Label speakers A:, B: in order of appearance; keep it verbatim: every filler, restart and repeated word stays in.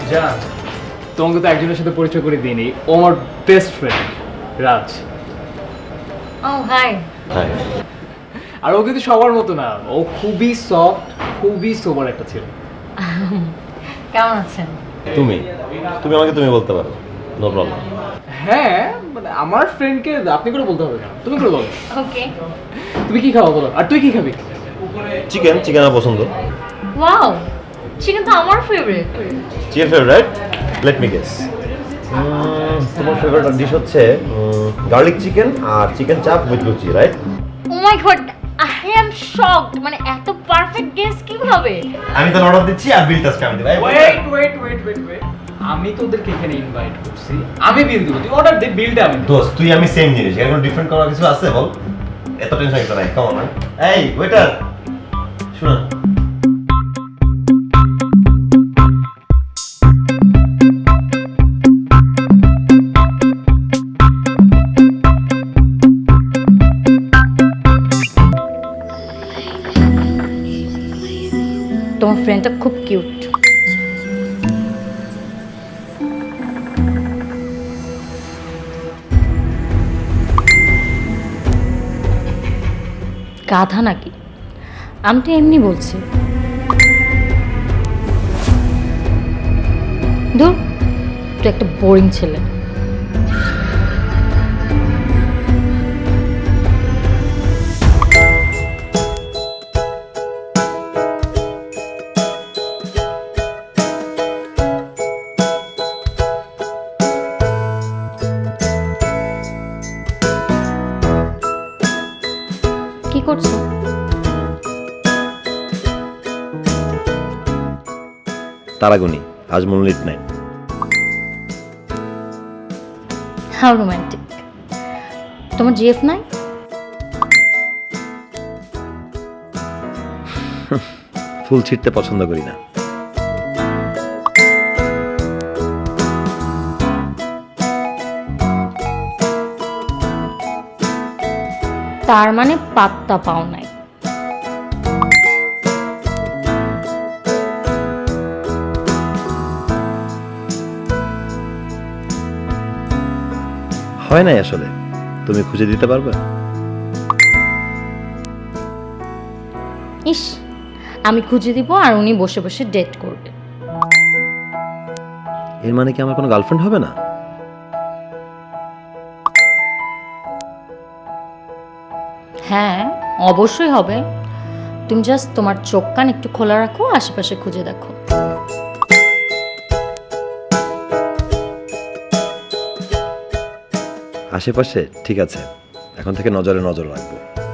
A: জান, তোমাকে তো একজনের সাথে পরিচয় করে দিইনি। ও আমার বেস্ট ফ্রেন্ড রাজ।
B: ও হাই।
C: হাই।
A: আর ও কিন্তু সবার মতো না, ও খুবই সফট, খুবই সোবার একটা ছেলে।
B: কেমন আছেন?
C: তুমি তুমি আমাকে তুমি বলতে পারো, নো প্রবলেম।
A: হ্যাঁ, মানে আমার ফ্রেন্ডকে আপনি করে বলতে হবে কেন? তুমি করে বলো।
B: ওকে।
A: তুমি কি খাওয়া বলো, আর তুই কি খাবি?
C: চিকেন চিকেন আমার পছন্দ।
B: ওয়াও, চিকেন তো আমার favourite.
C: Chicken favourite? Let me guess. তোমার ফেভারিট ডিশ হচ্ছে গার্লিক চিকেন আর chicken chaap with luchi, right?
B: Oh my god, I am shocked. মানে এত পারফেক্ট গেস কিভাবে?
C: আমি তো অর্ডার দিচ্ছি আর বিলটা আজকে আমি দেব।
A: Wait wait wait wait wait আমি তোদেরকে এখানে ইনভাইট করছি, আমি বিল দেবো, তুই অর্ডার দে, বিলটা আমি দেবো।
C: দোস্ত তুই আমি সেম জিনিস, এর কোনো ডিফারেন্ট করার কিছু আছে বল? এত টেনশন কিছু নাই, কাম অন। এই ওয়েটার, শুনুন।
B: তোমার ফ্রেন্ডটা খুব কিউট। গাধা নাকি? আমি তো এমনি বলছি। ধুর, তুই একটা বোরিং ছেলে। কি করছো?
C: তারাগুনি, আজ মনলিট নাই।
B: How romantic. তোমার জিএফ নাই?
C: ফুল ছিঁড়তে পছন্দ করি না।
B: তার মানে পাত্তা পাও নাই।
C: হয় নাই আসলে, তুমি খুঁজে দিতে পারবে?
B: ইস, আমি খুঁজে দিব আর উনি বসে বসে ডেট করবে।
C: এর মানে কি আমার কোনো গার্লফ্রেন্ড হবে না?
B: হ্যাঁ, অবশ্যই হবে। তুমি জাস্ট তোমার চোখ কান একটু খোলা রাখো, আশেপাশে খুঁজে দেখো।
C: আশেপাশে ঠিক আছে, এখন থেকে নজরে নজর রাখবো।